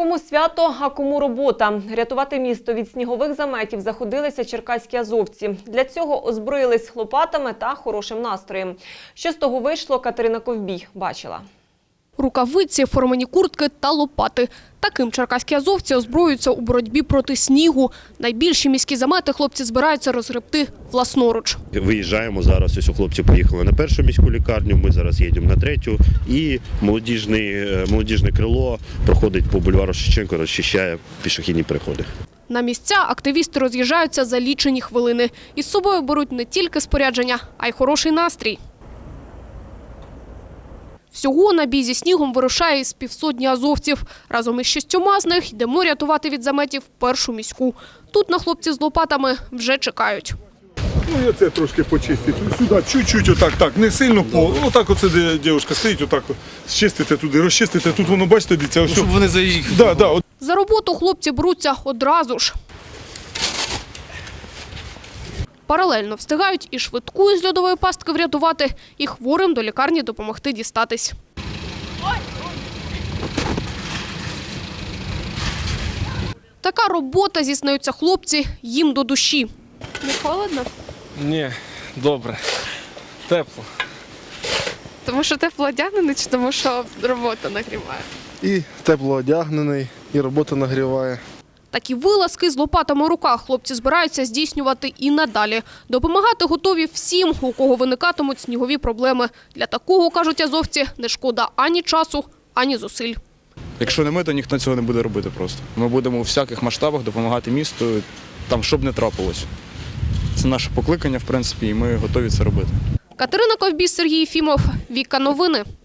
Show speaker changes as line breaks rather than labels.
Кому свято, а кому робота. Рятувати місто від снігових заметів заходилися черкаські азовці. Для цього озброїлись лопатами та хорошим настроєм. Що з того вийшло, Катерина Ковбій бачила.
Рукавиці, формані куртки та лопати. Таким черкаські азовці озброюються у боротьбі проти снігу. Найбільші міські замети хлопці збираються розгребти власноруч.
Виїжджаємо зараз, ось хлопці поїхали на першу міську лікарню, ми зараз їдемо на третю. І молодіжне крило проходить по бульвару Шевченка, розчищає пішохідні переходи.
На місця активісти роз'їжджаються за лічені хвилини. Із собою беруть не тільки спорядження, а й хороший настрій. Всього на бій зі снігом вирушає із півсотні азовців. Разом із 6 з них йдемо рятувати від заметів першу міську. Тут на хлопців з лопатами вже чекають.
Ну, я це трошки почистити. Сюди чуть-чуть отак, так, не сильно по. Отак оце, де дівчинка стоїть, отак зчистите туди, розчистите. Тут воно, бачите, дивіться, ось.
Щоб вони заїхали.
Да.
За роботу хлопці беруться одразу ж. Паралельно встигають і швидку із льодової пастки врятувати, і хворим до лікарні допомогти дістатись. Така робота, зізнаються хлопці, їм до душі. Не холодно?
Ні, добре. Тепло.
Тому що тепло одягнений чи тому що робота нагріває?
І тепло одягнений, і робота нагріває.
Такі вилазки з лопатами у руках хлопці збираються здійснювати і надалі. Допомагати готові всім, у кого виникатимуть снігові проблеми. Для такого, кажуть азовці, не шкода ані часу, ані зусиль.
Якщо не ми, то ніхто цього не буде робити просто. Ми будемо у всяких масштабах допомагати місту, там, щоб не трапилось. Це наше покликання, в принципі, і ми готові це робити.
Катерина Ковбій, Сергій Єфімов, Віка Новини.